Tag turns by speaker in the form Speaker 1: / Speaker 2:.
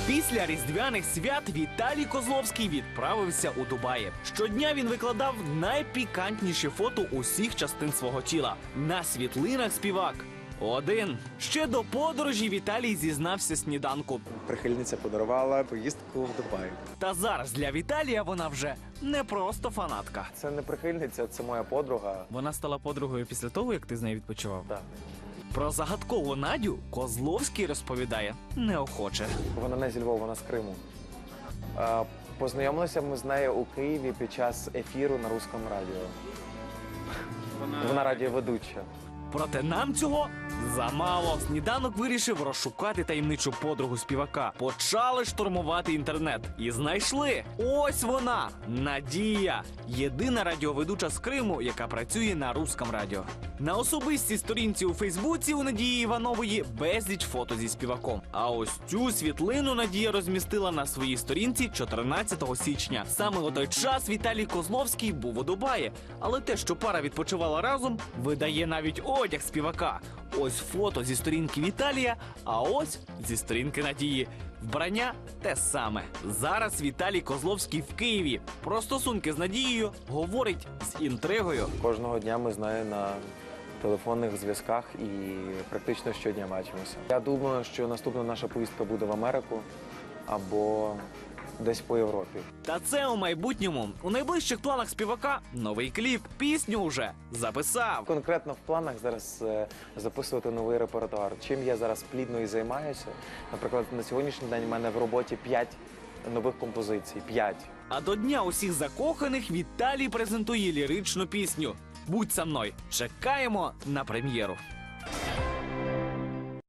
Speaker 1: Після різдвяних свят Віталій Козловський відправився у Дубаї. Щодня він викладав найпікантніші фото усіх частин свого тіла. На світлинах співак один. Ще до подорожі Віталій зізнався сніданку.
Speaker 2: Прихильниця подарувала поїздку в Дубай.
Speaker 1: Та зараз для Віталія вона вже не просто фанатка.
Speaker 2: Це не прихильниця, це моя подруга.
Speaker 1: Вона стала подругою після того, як ти з нею відпочивав?
Speaker 2: Так.
Speaker 1: Про загадкову Надю Козловський розповідає неохоче.
Speaker 2: Вона не зі Львова, вона з Криму. Познайомилися ми з нею у Києві під час ефіру на Руському радіо. Вона радіоведуча.
Speaker 1: Проте нам цього замало. Сніданок вирішив розшукати таємничу подругу співака. Почали штурмувати інтернет. І знайшли. Ось вона, Надія. Єдина радіоведуча з Криму, яка працює на Руському радіо. На особистій сторінці у Фейсбуці у Надії Іванової безліч фото зі співаком. А ось цю світлину Надія розмістила на своїй сторінці 14 січня. Саме у той час Віталій Козловський був у Дубаї. Але те, що пара відпочивала разом, видає навіть одяг співака. Ось фото зі сторінки Віталія, а ось зі сторінки Надії. Вбрання те саме. Зараз Віталій Козловський в Києві. Про стосунки з Надією говорить з інтригою.
Speaker 2: Кожного дня ми з нею на телефонних зв'язках і практично щодня бачимося. Я думаю, що наступна наша поїздка буде в Америку або десь по Європі.
Speaker 1: Та це у майбутньому. У найближчих планах співака новий кліп. Пісню вже записав.
Speaker 2: Конкретно в планах зараз записувати новий репертуар. Чим я зараз плідно і займаюся. Наприклад, на сьогоднішній день в мене в роботі 5 нових композицій. 5.
Speaker 1: А до Дня усіх закоханих Віталій презентує ліричну пісню «Будь со мною». Чекаємо на прем'єру.